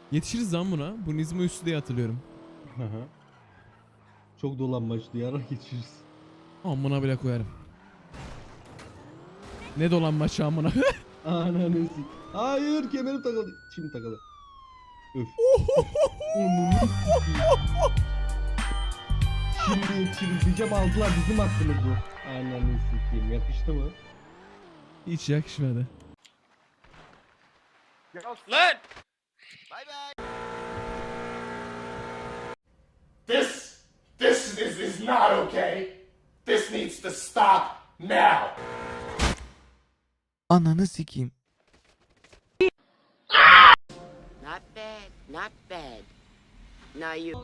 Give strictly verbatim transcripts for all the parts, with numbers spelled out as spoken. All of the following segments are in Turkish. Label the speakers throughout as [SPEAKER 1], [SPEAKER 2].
[SPEAKER 1] Yetişiriz lan buna. Bu Nizmo üstü diye hatırlıyorum.
[SPEAKER 2] Aha. Çok dolanmaç duyarak geçiriz.
[SPEAKER 1] Amına bile koyarım. Ne dolanmaç amına.
[SPEAKER 2] Ananı sik. Hayır kemerim takıldı. Şimdi takıldı. Öf. Onunu sikeyim. Şimdi yetişiriz aldılar bizim hakkımız bu. Ananı sikeyim. Yakıştı mı?
[SPEAKER 1] Hiç yakışmadı.
[SPEAKER 3] Lan!
[SPEAKER 4] This, this is, is not okay. This needs to stop now.
[SPEAKER 5] Ananı sikeyim.
[SPEAKER 6] Not bad, not bad. Now you.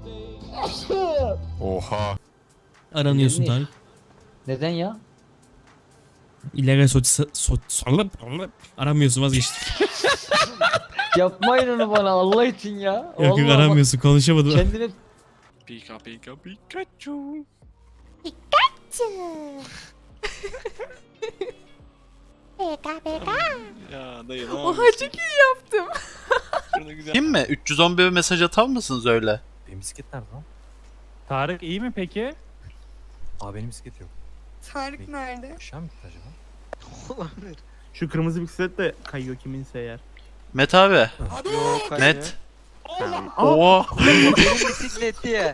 [SPEAKER 3] Oha.
[SPEAKER 7] Aranıyorsun Tarık.
[SPEAKER 8] Neden ya?
[SPEAKER 7] İllegal soç... soç... Aramıyorsun, vazgeçtim.
[SPEAKER 8] Yapmayın onu bana Allah için ya.
[SPEAKER 7] Yok yok
[SPEAKER 8] Vallahi bak,
[SPEAKER 7] aramıyorsun, konuşamadım.
[SPEAKER 8] kendine
[SPEAKER 3] Pika pika Pikachu.
[SPEAKER 9] Peka peka.
[SPEAKER 3] Ya dayı ne
[SPEAKER 9] Oha
[SPEAKER 3] yapıyorsun?
[SPEAKER 9] çok iyi yaptım.
[SPEAKER 3] Şurada güzel. Kim mi? üç yüz on bir mesaj atar mısınız öyle?
[SPEAKER 5] Benim bisiklet nerede lan?
[SPEAKER 10] Tarık iyi mi peki?
[SPEAKER 5] Aa benim bisiklet yok.
[SPEAKER 9] Tarık nerede?
[SPEAKER 5] Aşağı mı gitti acaba?
[SPEAKER 10] Şu kırmızı bisiklet de kayıyor kiminse eğer.
[SPEAKER 3] Met abi. Met. Oo.
[SPEAKER 8] benim bisikleti ya.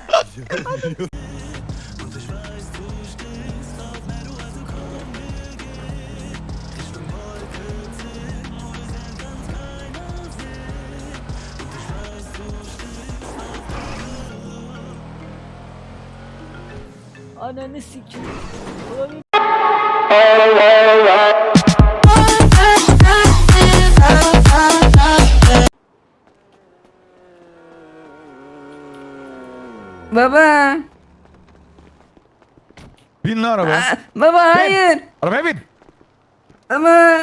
[SPEAKER 8] Ananı sikeyim.
[SPEAKER 9] Baba.
[SPEAKER 5] Bin lan araba.
[SPEAKER 9] Aa, baba hayır.
[SPEAKER 5] Arabaya bin.
[SPEAKER 9] Ama.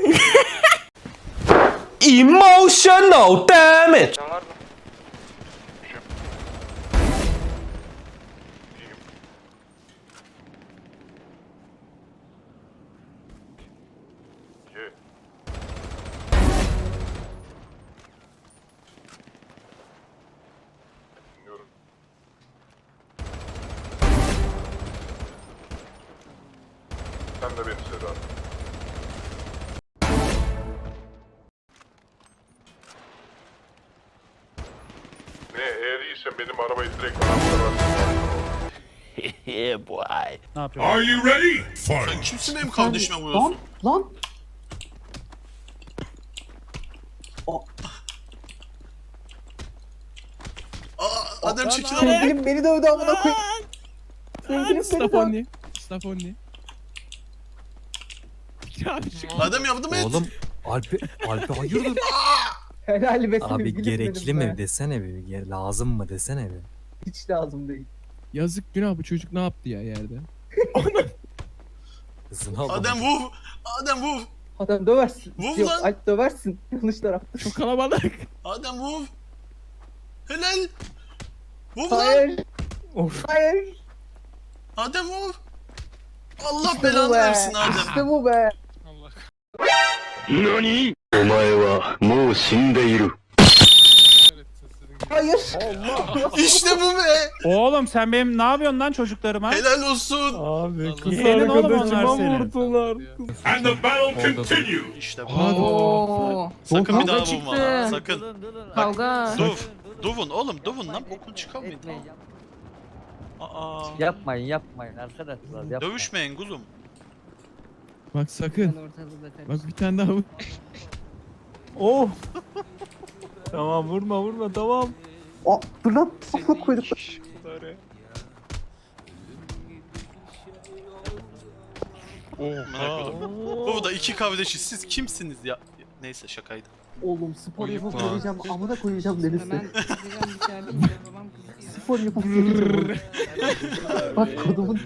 [SPEAKER 5] Emotional damage.
[SPEAKER 4] Sen de beni Sedat. Ne eğer iyiysen benim arabayı direkt bana
[SPEAKER 3] Yeah boy.
[SPEAKER 10] Ne yapıyorsun?
[SPEAKER 4] Are you ready?
[SPEAKER 3] Sen kimsin benim kardeşime vuruyorsun?
[SPEAKER 2] Lan.
[SPEAKER 3] Aa, Adem çekil ama.
[SPEAKER 2] Sevgilim beni dövdü amına koyayım. Sevgilim beni dövdü.
[SPEAKER 1] Stafoni. Stafoni.
[SPEAKER 3] Adem yardım et.
[SPEAKER 5] Oğlum Alpi Alpi hayırdır?
[SPEAKER 2] Helal be
[SPEAKER 5] Abi gerekli mi desene bir. Ge- Lazım mı desene bir.
[SPEAKER 2] Hiç lazım değil.
[SPEAKER 1] Yazık günah, bu çocuk ne yaptı ya yerde?
[SPEAKER 5] Hızını al.
[SPEAKER 3] Adem vur. Adem vur.
[SPEAKER 2] Adam döversin.
[SPEAKER 3] Vur
[SPEAKER 2] Yok
[SPEAKER 3] lan.
[SPEAKER 2] Alp döversin. Yanlış tarafta.
[SPEAKER 1] Çok kalabalık.
[SPEAKER 3] Adem vur. Helal. Vur lan.
[SPEAKER 2] Hayır. Hayır.
[SPEAKER 3] Adem vur. Allah
[SPEAKER 2] İşte bu
[SPEAKER 3] belanı
[SPEAKER 2] be.
[SPEAKER 3] versin Adem.
[SPEAKER 2] İşte bu be.
[SPEAKER 4] Nani? Omae wa mou shindeiru.
[SPEAKER 2] Hayır.
[SPEAKER 3] İşte bu be.
[SPEAKER 10] Oğlum sen benim ne yapıyorsun lan çocuklarıma?
[SPEAKER 3] Helal olsun.
[SPEAKER 5] Abi
[SPEAKER 10] kız Yeğenin oğlum onlar senin.
[SPEAKER 4] And the battle continues.
[SPEAKER 3] İşte bu.
[SPEAKER 9] Oo.
[SPEAKER 3] Sakın bir daha
[SPEAKER 9] Kavga
[SPEAKER 3] vurma.
[SPEAKER 9] çıktı.
[SPEAKER 3] Sakın.
[SPEAKER 9] Kavga.
[SPEAKER 3] Duv. Duvun oğlum duvun lan bokun çıkamayın.
[SPEAKER 8] Etmeyin.
[SPEAKER 3] Aa.
[SPEAKER 8] Yapmayın yapmayın arkadaşlar yapmayın.
[SPEAKER 3] Dövüşmeyin kuzum.
[SPEAKER 1] Bak sakın. Bak bir tane daha vur.
[SPEAKER 10] Oh. Tamam vurma vurma tamam.
[SPEAKER 2] Aa, dur lan. Amına koyduk.
[SPEAKER 3] Merak oldum. Bu da iki kardeşi siz kimsiniz ya? Neyse şakaydı.
[SPEAKER 2] Oğlum spor
[SPEAKER 3] Oyun
[SPEAKER 2] yapıp
[SPEAKER 3] var.
[SPEAKER 2] geleceğim. Amına koyacağım Deniz'e.
[SPEAKER 9] Ben gideceğim içeride. Babam kızıyor.
[SPEAKER 2] Spor yapıp geleceğim. Bak kodumun